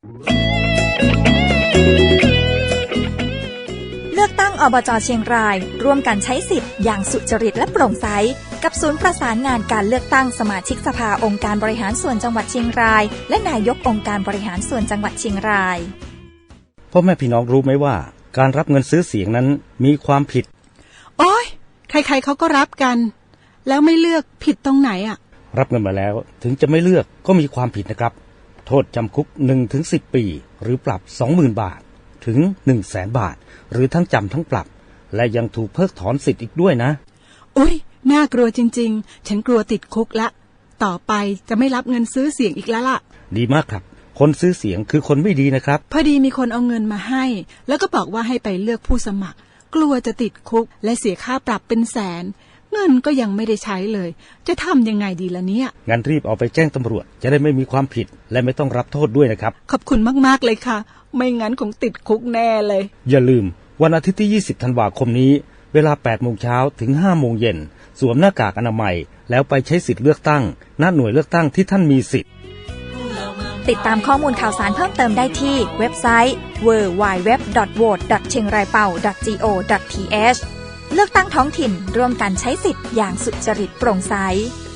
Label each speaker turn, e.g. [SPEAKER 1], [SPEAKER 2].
[SPEAKER 1] เลือกตั้งอบจ.เชียงรายร่วมกันใช้สิทธิ์อย่างสุจริตและโปร่งใสกับศูนย์ประสานงานการเลือกตั้งสมาชิกสภาองค์การบริหารส่วนจังหวัดเชียงรายและนายกองค์การบริหารส่วนจังหวัดเชียงราย
[SPEAKER 2] พ่อแม่พี่น้องรู้ไหมว่าการรับเงินซื้อเสียงนั้นมีความผิด
[SPEAKER 3] โอ๊ยใครๆเขาก็รับกันแล้วไม่เลือกผิดตรงไหนอ่ะ
[SPEAKER 2] รับเงินมาแล้วถึงจะไม่เลือกก็มีความผิดนะครับโทษจำคุก 1-10 ปีหรือปรับ 20,000 บาทถึง 100,000 บาทหรือทั้งจำทั้งปรับและยังถูกเพิกถอนสิทธิ์อีกด้วยนะ
[SPEAKER 3] อุ๊ยน่ากลัวจริงๆฉันกลัวติดคุกละต่อไปจะไม่รับเงินซื้อเสียงอีกแล้วล่ะ
[SPEAKER 2] ดีมากครับคนซื้อเสียงคือคนไม่ดีนะครับ
[SPEAKER 3] พอดีมีคนเอาเงินมาให้แล้วก็บอกว่าให้ไปเลือกผู้สมัครกลัวจะติดคุกและเสียค่าปรับเป็นแสนเงินก็ยังไม่ได้ใช้เลยจะทำยังไงดีล่ะเนี่ย
[SPEAKER 2] งั้นรีบเอาไปแจ้งตำรวจจะได้ไม่มีความผิดและไม่ต้องรับโทษด้วยนะครับ
[SPEAKER 3] ขอบคุณมากๆเลยค่ะไม่งั้นคงติดคุกแน่เลย
[SPEAKER 2] อย่าลืมวันอาทิตย์ที่20ธันวาคมนี้เวลา 8:00 นถึง 5:00 นสวมหน้ากากอนามัยแล้วไปใช้สิทธิ์เลือกตั้งณหน่วยเลือกตั้งที่ท่านมีสิทธิ์
[SPEAKER 1] ติดตามข้อมูลข่าวสารเพิ่มเติมได้ที่เว็บไซต์ www.vote.chiengraiPao.go.th เลือกตั้งท้องถิ่นร่วมกันใช้สิทธิ์อย่างสุจริตโปร่งใส